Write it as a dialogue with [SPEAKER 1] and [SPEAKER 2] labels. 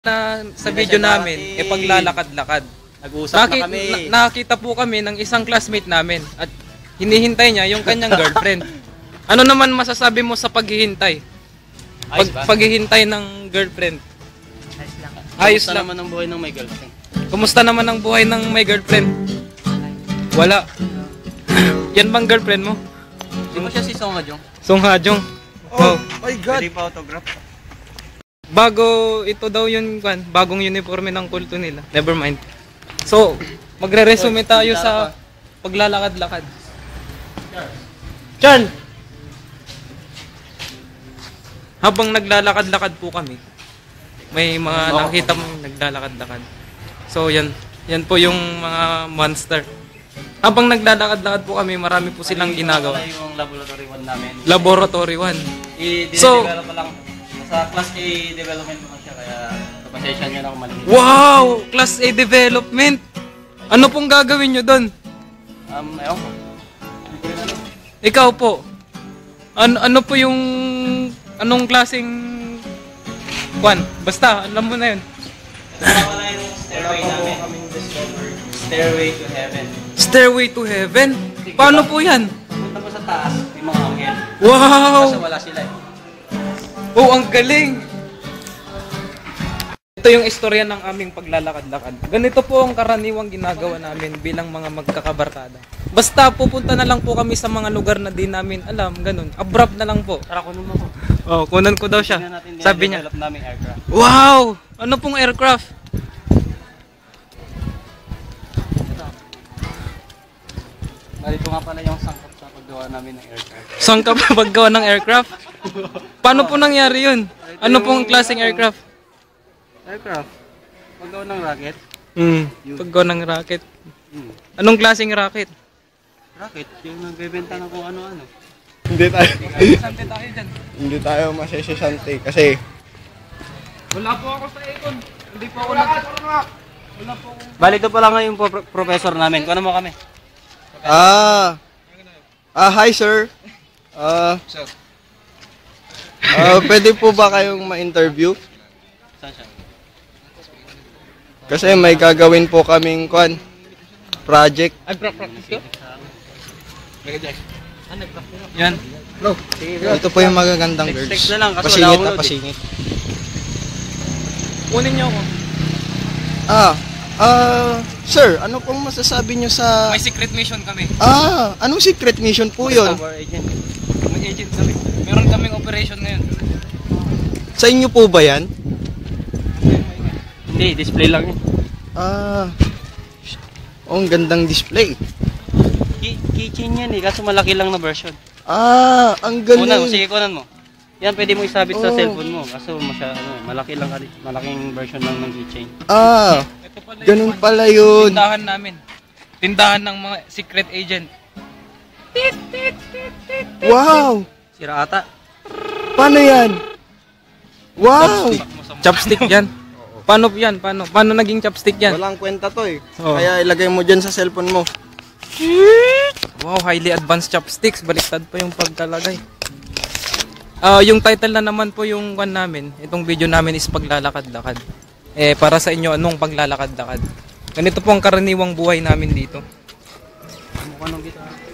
[SPEAKER 1] Na sa video namin, paglalakad-lakad.
[SPEAKER 2] Nag-uusap na kami.
[SPEAKER 1] Nakakita po kami ng isang classmate namin at hinihintay niya yung kanyang girlfriend. Ano naman masasabi mo sa paghihintay? Paghihintay ng girlfriend. Ayos lang.
[SPEAKER 2] Kumusta naman ang buhay ng may girlfriend?
[SPEAKER 1] Kumusta naman ang buhay ng may girlfriend? Wala. Yan bang girlfriend mo?
[SPEAKER 2] Di ba siya si Song Ha-jung?
[SPEAKER 1] Song Ha-jung.
[SPEAKER 3] Oh my God!
[SPEAKER 2] Pwede pa autograph?
[SPEAKER 1] Bago ito daw yung bagong uniforme ng kulto nila. Never mind. So, magre-resume tayo sa paglalakad-lakad. Chan! Habang naglalakad-lakad po kami, may mga nakita mo naglalakad-lakad. So, yan po yung mga monster. Habang naglalakad-lakad po kami, marami po silang ginagawa.
[SPEAKER 2] Yung laboratory 1 namin.
[SPEAKER 1] Laboratory 1.
[SPEAKER 2] So, i-develop lang. Sa Class A development naman siya, kaya pasensya niyo na kung mali.
[SPEAKER 1] Wow! Class A development! Ano pong gagawin nyo doon?
[SPEAKER 2] Ewan ko.
[SPEAKER 1] Ikaw po. Ano po yung... Anong klaseng... Basta, alam mo na yun.
[SPEAKER 2] Wala yung stairway namin. Stairway to heaven.
[SPEAKER 1] Stairway to heaven? Paano po yan?
[SPEAKER 2] Punta mo sa taas, may mga anghel.
[SPEAKER 1] Wow!
[SPEAKER 2] Kasi wala sila eh.
[SPEAKER 1] Oh, ang galing! Ito yung istorya ng aming paglalakad-lakad. Ganito po ang karaniwang ginagawa namin bilang mga magkakabarkada. Basta pupunta na lang po kami sa mga lugar na di namin alam, ganun. Abrupt na lang po.
[SPEAKER 2] Tara, kunin mo ko.
[SPEAKER 1] Oh, kunan ko daw siya. Sabi niya,
[SPEAKER 2] develop namin aircraft.
[SPEAKER 1] wow! Ano pong aircraft?
[SPEAKER 2] Narito nga pala yung sangkap sa paggawa namin ng aircraft.
[SPEAKER 1] Saan ka ba paggawa ng aircraft? Paano po nangyari yun? Ano pong klaseng aircraft?
[SPEAKER 2] Aircraft? Paggawa ng rocket?
[SPEAKER 1] Paggawa ng rocket. Anong klaseng rocket?
[SPEAKER 2] Rocket? Yung nagbebenta ng kung ano-ano.
[SPEAKER 3] Hindi tayo.
[SPEAKER 1] Sante tayo dyan.
[SPEAKER 3] Hindi tayo masesesante kasi
[SPEAKER 1] Wala po ako sa econ. Hindi po ako wala po ako.
[SPEAKER 2] Bali, ito pala nga yung professor namin. Kung ano mo kami?
[SPEAKER 3] hi sir. Pwede po ba kayong ma-interview?
[SPEAKER 2] Saan siya?
[SPEAKER 3] Kasi may gagawin po kaming project.
[SPEAKER 1] Ay, practice ko? Yan.
[SPEAKER 3] Bro, ito po yung magagandang girls.
[SPEAKER 2] Text na lang kasi
[SPEAKER 3] Pasingit
[SPEAKER 2] wala
[SPEAKER 3] na
[SPEAKER 2] akong
[SPEAKER 3] pasingit.
[SPEAKER 1] Kunin niyo ako.
[SPEAKER 3] Sir, ano pong masasabi nyo sa...
[SPEAKER 1] May secret mission kami.
[SPEAKER 3] Anong secret mission po yun?
[SPEAKER 2] Our agent.
[SPEAKER 1] May agent kami. Meron kaming operation ngayon.
[SPEAKER 3] Sa inyo po ba yan?
[SPEAKER 2] Hindi, display lang yun.
[SPEAKER 3] Ang gandang display.
[SPEAKER 2] Keychain yan eh, kaso malaki lang na version.
[SPEAKER 3] Ang galing.
[SPEAKER 2] Kunan mo, sige kunan mo. Yan, pwede mo isabit sa cellphone mo. Kaso malaki lang, malaking version lang ng keychain.
[SPEAKER 3] Ganun pala yun.
[SPEAKER 1] Tindahan namin. Tindahan ng mga secret agent.
[SPEAKER 3] Wow!
[SPEAKER 2] Sira ata.
[SPEAKER 3] Paano yan? Wow!
[SPEAKER 1] Chopstick yan. Paano yan? Paano naging chopstick yan?
[SPEAKER 3] Walang kwenta to eh.
[SPEAKER 1] Oh.
[SPEAKER 3] Kaya ilagay mo dyan sa cellphone mo.
[SPEAKER 1] Wow, highly advanced chopsticks. Baliktad pa yung pagkalagay. Yung title na naman po yung namin, itong video namin is paglalakad-lakad. Para sa inyo, anong paglalakad-lakad? Ganito po ang karaniwang buhay namin dito.
[SPEAKER 2] Mukha ng gitara.